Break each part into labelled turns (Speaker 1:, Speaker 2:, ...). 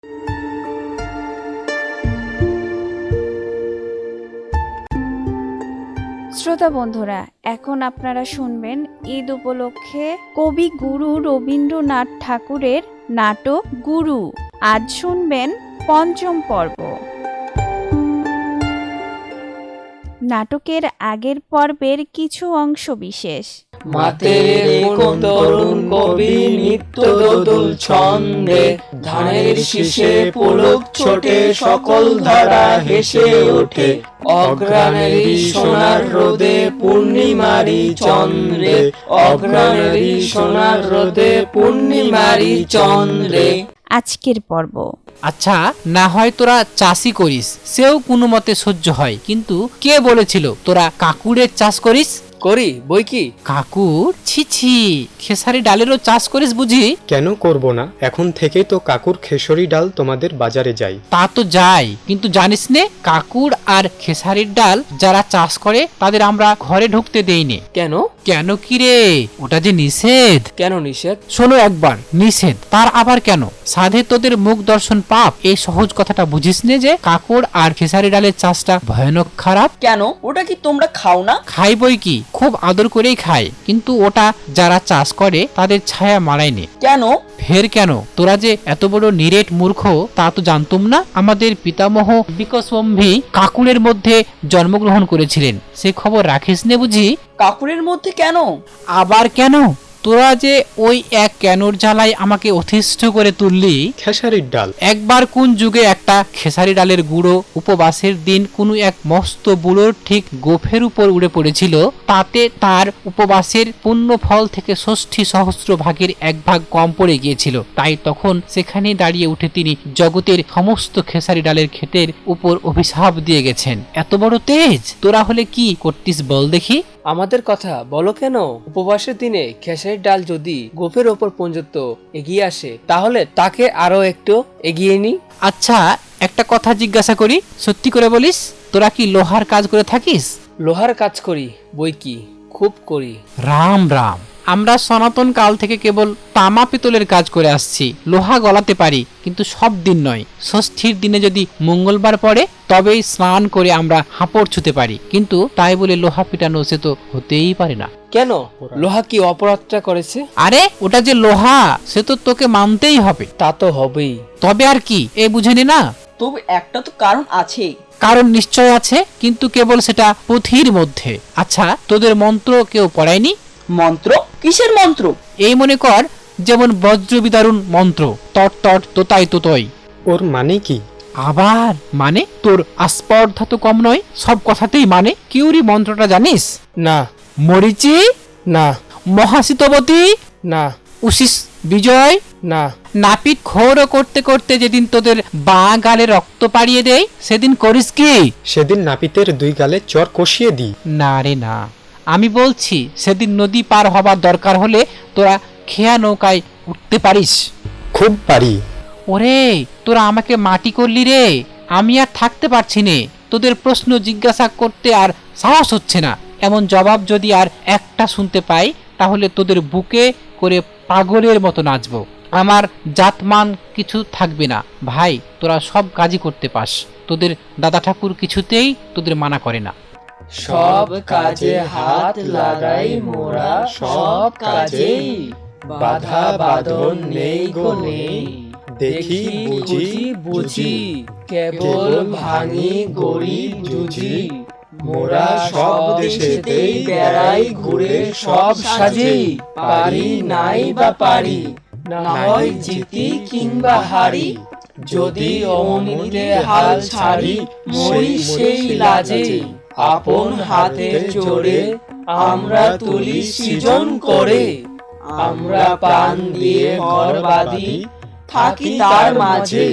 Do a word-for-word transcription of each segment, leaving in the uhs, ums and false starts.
Speaker 1: শ্রোতা বন্ধুরা, এখন আপনারা শুনবেন ঈদ উপলক্ষে কবি গুরু রবীন্দ্রনাথ ঠাকুরের নাটক গুরু। আজ শুনবেন পঞ্চম পর্ব। নাটকের আগের পর্বের কিছু অংশ বিশেষ।
Speaker 2: মাতে কোন তরুণ কবি নিত্য দোদুল ছন্দে, ধানের শীষে পুলক ছোটে সকল ধারা হেসে ওঠে। অগ্রাণেরই সোনার রোদে পূর্ণিমারি চন্দ্রে, অগ্রাণেরই সোনার রোদে পূর্ণিমারি চন্দ্রে।
Speaker 1: আজকের পর্ব।
Speaker 3: আচ্ছা, না হয় তোরা চাষই করিস, সেও কোনো মতে সহ্য হয়, কিন্তু কে বলেছিল তোরা কাকুরের চাষ করিস?
Speaker 2: করি বই কি।
Speaker 3: কাকুর? ছি ছি, খেসারি ডালেরও চাষ করিস বুঝি?
Speaker 4: কেন করব না, এখন থেকেই তো কাকুর খেসারি ডাল তোমাদের বাজারে যায়।
Speaker 3: তা তো যাই, কিন্তু জানিস নে, কাকুর আর খেসারির ডাল যারা চাষ করে তাদের আমরা ঘরে ঢুকতে দেই নে।
Speaker 2: কেন?
Speaker 3: কেন কি রে, ওটা যে নিষেধ।
Speaker 2: কেন নিষেধ?
Speaker 3: শোনো একবার, নিষেধ তার আবার কেন? সাধে তোদের মুখ দর্শন পাপ, এই সহজ কথাটা বুঝিস নে যে কাকুর আর খেসারি ডালের চাষটা ভয়ানক খারাপ।
Speaker 5: কেন? ওটা কি তোমরা খাও না?
Speaker 3: খাই বই কি, খুব আদর করেই খায়, কিন্তু ওটা যারা চাষ করে তাদের ছায়া মারায়নি।
Speaker 5: কেন?
Speaker 3: ফের কেন? তোরা যে এত বড় নিরেট মূর্খ তা তো জানতুম না। আমাদের পিতামহ বিকশম্ভী কাকুরের মধ্যে জন্মগ্রহণ করেছিলেন, সে খবর রাখিস নে বুঝি?
Speaker 5: কাকুরের মধ্যে কেন?
Speaker 3: আবার কেন? তোরা যে ওই এক কেনর জ্বালায় আমাকে অতিষ্ঠ করে তুললি।
Speaker 4: খেসারির ডাল।
Speaker 3: একবার কোন যুগে একটা খেসারি ডালের গুঁড়ো উপবাসের দিন কোনো এক মস্ত বুড়োর ঠিক গোফের উপর উড়ে পড়েছিল, তাতে তার উপবাসের পুণ্য ফল থেকে ষষ্ঠী সহস্র ভাগের এক ভাগ কম পড়ে গিয়েছিল। তাই তখন সেখানে দাঁড়িয়ে উঠে তিনি জগতের সমস্ত খেসারি ডালের ক্ষেতের উপর অভিশাপ দিয়ে গেছেন। এত বড় তেজ! তোরা হলে কি করতিস বল দেখি?
Speaker 2: আমাদের কথা বলো কেন? উপবাসের দিনে খেসারির ডাল যদি গোফের ওপর পর্যন্ত এগিয়ে আসে, তাহলে তাকে আরো একটু এগিয়ে নি।
Speaker 3: আচ্ছা, একটা কথা জিজ্ঞাসা করি, সত্যি করে বলিস, তোরা কি লোহার কাজ করে থাকিস?
Speaker 2: লোহার কাজ করি বই কি, খুব করি।
Speaker 3: রাম রাম, আমরা সনাতন কাল থেকে কেবল তামা পিতলের কাজ করে আসছি। লোহা গলাতে পারি, কিন্তু সব দিন নয়। ষষ্ঠীর দিনে যদি মঙ্গলবার পড়ে তবেই স্নান করে আমরা হাঁপড় ছুতে পারি, কিন্তু তাই বলে লোহা পিটানো সে তো হতেই পারে না।
Speaker 2: কেন? লোহা কি অপরাধটা করেছে?
Speaker 3: আরে ওটা যে লোহা, সে তো তোকে মানতেই হবে।
Speaker 2: তা তো হবেই।
Speaker 3: তবে আর কি, এ বুঝে নে না?
Speaker 5: তবে একটা তো কারণ আছে।
Speaker 3: কারণ নিশ্চয় আছে, কিন্তু কেবল সেটা পুঁথির মধ্যে। আচ্ছা, তোদের মন্ত্র কেউ পড়ায়নি?
Speaker 5: মন্ত্র? কিসের মন্ত্র?
Speaker 3: এই মনে কর, যেমন বজ্র বিদারুণ মন্ত্র, তট তট তোতাই তোতই।
Speaker 4: ওর মানে কি?
Speaker 3: আবার মানে? তোর আস্পর্ধা তো কম নয়, সব কথাতেই মানে। কিউরি মন্ত্রটা জানিস?
Speaker 2: না।
Speaker 3: মরিচি?
Speaker 2: না।
Speaker 3: মহাশীতবতী?
Speaker 2: না।
Speaker 3: উশিস বিজয়?
Speaker 2: না।
Speaker 3: নাপিত খোরও করতে করতে যেদিন তোদের বাঁ গালে রক্ত পাড়িয়ে দেয়, সেদিন করিস কি?
Speaker 4: সেদিন নাপিতের দুই গালে চর কষিয়ে দিই।
Speaker 3: না রে না, আমি বলছি সেদিন নদী পার হবার দরকার হলে তোরা খেয়া নৌকায় উঠতে পারিস?
Speaker 4: খুব পারি।
Speaker 3: ওরে, তোরা আমাকে মাটি করলি রে, আমি আর থাকতে পারছি নে। তোদের প্রশ্ন জিজ্ঞাসা করতে আর সাহস হচ্ছে না। এমন জবাব যদি আর একটা শুনতে পাই, তাহলে তোদের বুকে করে পাগলের মতো নাচবো। আমার জাতমান কিছু থাকবে না। ভাই, তোরা সব কাজই করতে পাস, তোদের দাদা ঠাকুর কিছুতেই তোদের মানা করে না।
Speaker 2: সব কাজে হাত লাগাই মোরা, সব কাজে বাধা বাঁধন নেই গো নেই। দেখি বুঝি বুঝি, কেবল ভাঙি গরিব জুঝি। মোরা সব দেশেতেই বেড়াই ঘুরে সব সাজি। পারি নাই বা পারি, না হয় জিতি কিংবা হারি। যদি অমনিতে হাল ছাড়ি, মরি সেই লাজে। আপন হাতের জোরে আমরা তুলি সৃজন করে। আমরা প্রাণ দিয়ে ঘর বাঁধি, থাকি তার মাঝে।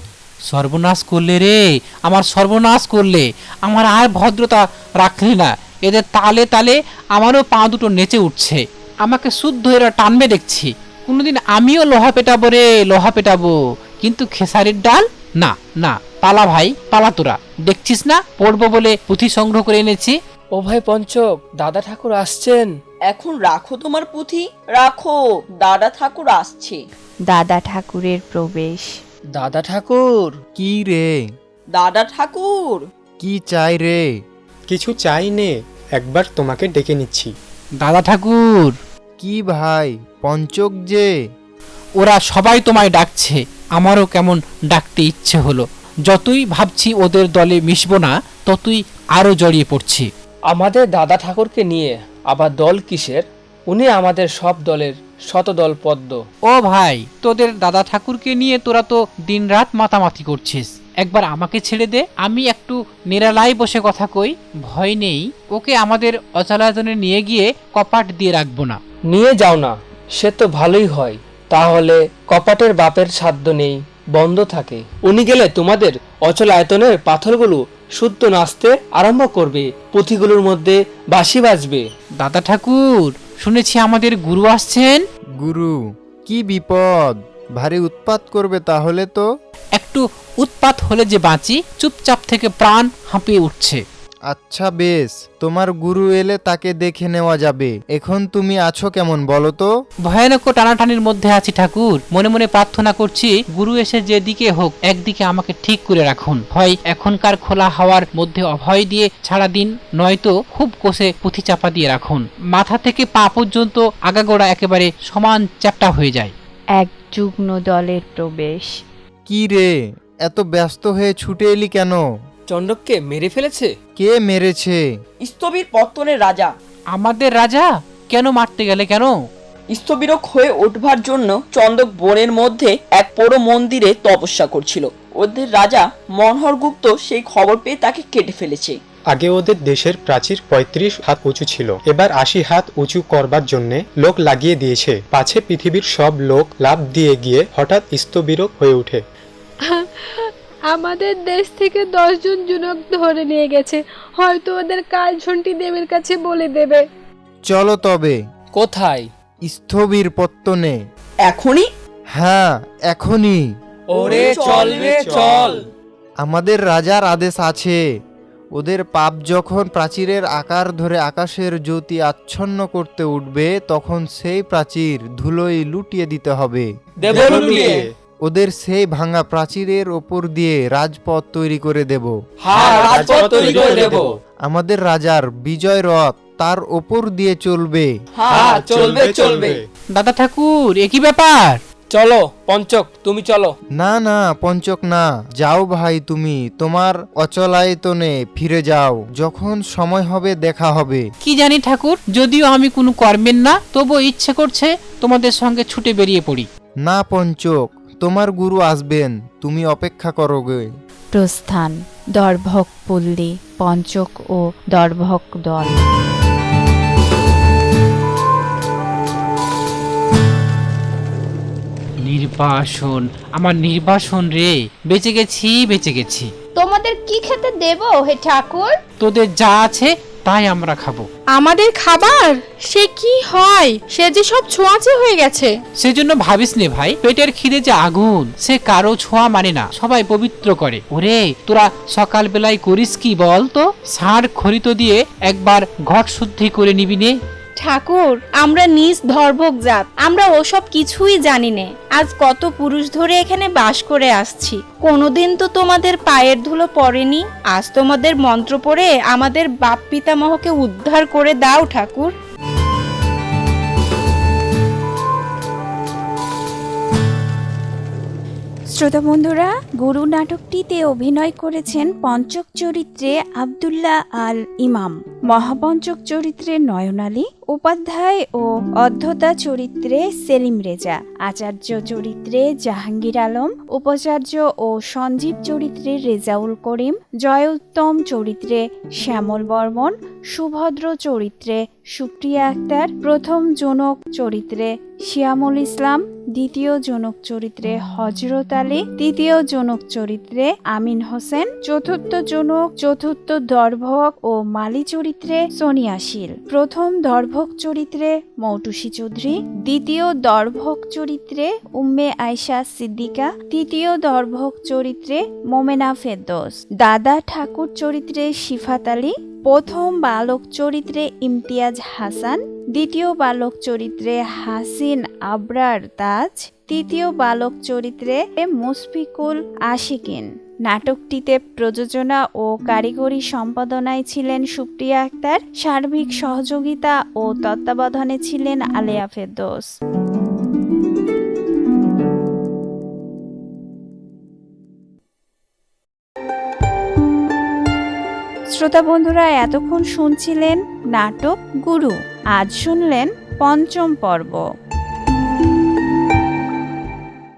Speaker 3: সর্বনাশ করলে রে, আমার সর্বনাশ করলে। আমার আর ভদ্রতা রাখলি না। এদের তালে তালে আমারও পা দুটো নেচে উঠছে। আমাকে শুদ্ধ এরা টানবে দেখছি। কোনোদিন আমিও লোহা পেটাবো রে, লোহা পেটাবো। কিন্তু খেসারির ডাল না না। পালা ভাই, পালা তোরা। দেখছিস না, পড়বো বলে পুঁথি সংগ্রহ করে এনেছি।
Speaker 2: ও ভাই পঞ্চক, দাদা ঠাকুর আসছেন।
Speaker 5: এখন রাখো তোমার পুঁথি, রাখো, দাদা ঠাকুর আসছে।
Speaker 1: দাদা ঠাকুরের প্রবেশ।
Speaker 2: দাদা ঠাকুর,
Speaker 6: কি রে?
Speaker 5: দাদা ঠাকুর,
Speaker 6: কি চাই রে?
Speaker 4: কিছু চাই নে, একবার তোমাকে ডেকে নিচ্ছি।
Speaker 3: দাদা ঠাকুর,
Speaker 6: কি ভাই, পঞ্চক যে?
Speaker 3: ওরা সবাই তোমায় ডাকছে, আমারও কেমন ডাকতে ইচ্ছে হলো। যতই ভাবছি ওদের দলে মিশবো না, ততই আরো জড়িয়ে পড়ছি।
Speaker 2: আমাদের দাদা ঠাকুরকে নিয়ে আবার দল কিসের? উনি আমাদের সব দলের শতদল পদ্ম।
Speaker 3: ও ভাই, তোদের দাদা ঠাকুরকে নিয়ে তোরা তো দিনরাত মাতামাতি করছিস। একবার আমাকে ছেড়ে দে, আমি একটু নিরালায় বসে কথা কই। ভয় নেই, ওকে আমাদের অচলায়তনে নিয়ে গিয়ে কপাট দিয়ে রাখবো না।
Speaker 2: নিয়ে যাও না, সে তো ভালোই হয়। তাহলে কপাটের বাপের সাধ্য নেই, বন্ধ থাকে। উনি গেলে তোমাদের অচল আয়তনের পাথরগুলো শুদ্ধ নাচতে আরম্ভ করবে, পুঁথিগুলোর মধ্যে বাঁশি বাজবে।
Speaker 3: দাদা ঠাকুর, শুনেছি আমাদের গুরু আসছেন।
Speaker 6: গুরু? কি বিপদ, ভারী উৎপাত করবে তাহলে তো।
Speaker 3: একটু উৎপাত হলে যে বাঁচি, চুপচাপ থেকে প্রাণ হাঁপিয়ে উঠছে।
Speaker 6: আচ্ছা বেশ, তোমার গুরু এলে তাকে দেখে নেওয়া যাবে। এখন তুমি আছো কেমন বলো তো?
Speaker 3: ভয়ানক টানাটানির মধ্যে আছি ঠাকুর। মনে মনে প্রার্থনা করছি, গুরু এসে যেদিকে হোক একদিকে আমাকে ঠিক করে রাখুন। হয় এখনকার খোলা হাওয়ার মধ্যে অভয় দিয়ে ছাড়া দিন, নয়তো খুব কোষে পুঁথি চাপা দিয়ে রাখুন। মাথা থেকে পা পর্যন্ত আগাগোড়া একেবারে সমান চ্যাপ্টা হয়ে যায়।
Speaker 1: এক যুগ্ম দলের প্রবেশ।
Speaker 6: কি রে, এত ব্যস্ত হয়ে ছুটে এলি কেন?
Speaker 2: চণ্ডককে মেরে ফেলেছে।
Speaker 6: কে মেরেছে?
Speaker 5: স্থবির পত্তনের রাজা।
Speaker 3: আমাদের রাজা? কেন মারতে গেলে কেন?
Speaker 5: স্থবিরক হয়ে উঠবার জন্য চন্দক বনের মধ্যে এক পোড়ো মন্দিরে তপস্যা করছিল। ওদের রাজা মনোহরগুপ্ত সেই খবর পেয়ে তাকে কেটে ফেলেছে।
Speaker 4: আগে ওদের দেশের প্রাচীর পঁয়ত্রিশ হাত উঁচু ছিল, এবার আশি হাত উঁচু করবার জন্যে লোক লাগিয়ে দিয়েছে। পাছে পৃথিবীর সব লোক লাফ দিয়ে গিয়ে হঠাৎ স্থবিরক হয়ে ওঠে।
Speaker 7: আমাদের দেশ থেকে দশজন যুবক ধরে নিয়ে গেছে, হয়তো ওদের কালঝন্টি দেবীর কাছে বলে দেবে।
Speaker 6: চলো তবে।
Speaker 2: কোথায়?
Speaker 6: স্থবির পত্তনে।
Speaker 5: এখনই?
Speaker 6: হ্যাঁ, এখনই।
Speaker 2: ওরে চল রে চল।
Speaker 6: আমাদের রাজার আদেশ আছে, ওদের পাপ যখন প্রাচীরের আকার ধরে আকাশের জ্যোতি আচ্ছন্ন করতে উঠবে, তখন সেই প্রাচীর ধুলোয় লুটিয়ে দিতে হবে।
Speaker 2: দেব লুটিয়ে।
Speaker 6: ওদের সেই ভাঙা প্রাচীরের ওপর দিয়ে রাজপথ তৈরি করে দেব।
Speaker 2: হ্যাঁ, রাজপথ তৈরি করে দেব।
Speaker 6: আমাদের রাজার বিজয় রথ তার ওপর দিয়ে চলবে।
Speaker 2: হ্যাঁ, চলবে চলবে।
Speaker 3: দাদা ঠাকুর, এ কি ব্যাপার?
Speaker 2: চলো পঞ্চক, তুমি চলো।
Speaker 6: না না পঞ্চক না, যাও ভাই, তুমি তোমার অচলায়তনে ফিরে যাও। যখন সময় হবে দেখা হবে।
Speaker 3: কি জানি ঠাকুর, যদিও আমি কোনো কর্মের না, তবু ইচ্ছে করছে তোমাদের সঙ্গে ছুটে বেরিয়ে পড়ি।
Speaker 6: না পঞ্চক, তোমার গুরু আসবেন, তুমি অপেক্ষা করো গে।
Speaker 1: প্রস্থান। দর্ভক পল্লী, পঞ্চক ও দর্ভক দল।
Speaker 3: নির্বাসন, আমার নির্বাসন রে, বেঁচে গেছি বেঁচে গেছি।
Speaker 7: তোমাদের কি খেতে দেব হে ঠাকুর?
Speaker 3: তোদের যা আছে তাই আমরা খাবো।
Speaker 7: আমাদের খাবার সে কি হয়, সে যে সব ছোঁয়াচে হয়ে গেছে।
Speaker 3: সেজন্য ভাবিস নে ভাই, পেটের খিদে যে আগুন, সে কারো ছোঁয়া মানে না, সবাই পবিত্র করে। ওরে তোরা সকাল বেলায় করিস কি বল তো? ষাঁড় খরিত দিয়ে একবার ঘট শুদ্ধি করে নিবি নে।
Speaker 8: ঠাকুর, আমরা নিজ ধর্ভক জাত, আমরা ওসব কিছুই জানি না। আজ কত পুরুষ ধরে এখানে বাস করে আসছি, কোনোদিন তো তোমাদের পায়ের ধুলো পড়েনি। আজ তোমাদের মন্ত্র পড়ে আমাদের বাপ পিতামহকে উদ্ধার করে দাও ঠাকুর।
Speaker 1: শ্রোতা বন্ধুরা, গুরু নাটকটিতে অভিনয় করেছেন পঞ্চক চরিত্রে আব্দুল্লাহ আল ইমাম, মহাপঞ্চক চরিত্রে নয়ন আলী, উপাধ্যায় ও অধ্যতা চরিত্রে সেলিম রেজা, আচার্য চরিত্রে জাহাঙ্গীর আলম, উপাচার্য ও সঞ্জীব চরিত্রে রেজাউল করিম, জয়োত্তম চরিত্রে শ্যামল বর্মন, সুভদ্র চরিত্রে সুপ্রিয়া আক্তার, প্রথম জনক চরিত্রে শিয়ামুল ইসলাম, দ্বিতীয় জনক চরিত্রে হজরত আলী, তৃতীয় জনক চরিত্রে আমিন হোসেন, চতুর্থ জনক চতুর্থ দর্ভক ও মালি চরিত্রে সোনিয়া শীল, প্রথম দর্ভক চরিত্রে মৌটুসী চৌধুরী, দ্বিতীয় দর্ভক চরিত্রে উম্মে আয়শা সিদ্দিকা, তৃতীয় দর্ভক চরিত্রে মোমেনা ফেরদৌস, দাদা ঠাকুর চরিত্রে শিফাত আলী, প্রথম বালক চরিত্রে ইমতিয়াজ হাসান, দ্বিতীয় বালক চরিত্রে হাসিন আবরার তাজ, তৃতীয় বালক চরিত্রে মুশফিকুল আশিকিন। নাটকটিতে প্রযোজনা ও কারিগরি সম্পাদনায় ছিলেন সুপ্রিয়া আক্তার, সার্বিক সহযোগিতা ও তত্ত্বাবধানে ছিলেন আলেয়া ফেরদৌস। শ্রোতা বন্ধুরা, এতক্ষণ শুনছিলেন নাটক গুরু। আজ শুনলেন পঞ্চম পর্ব।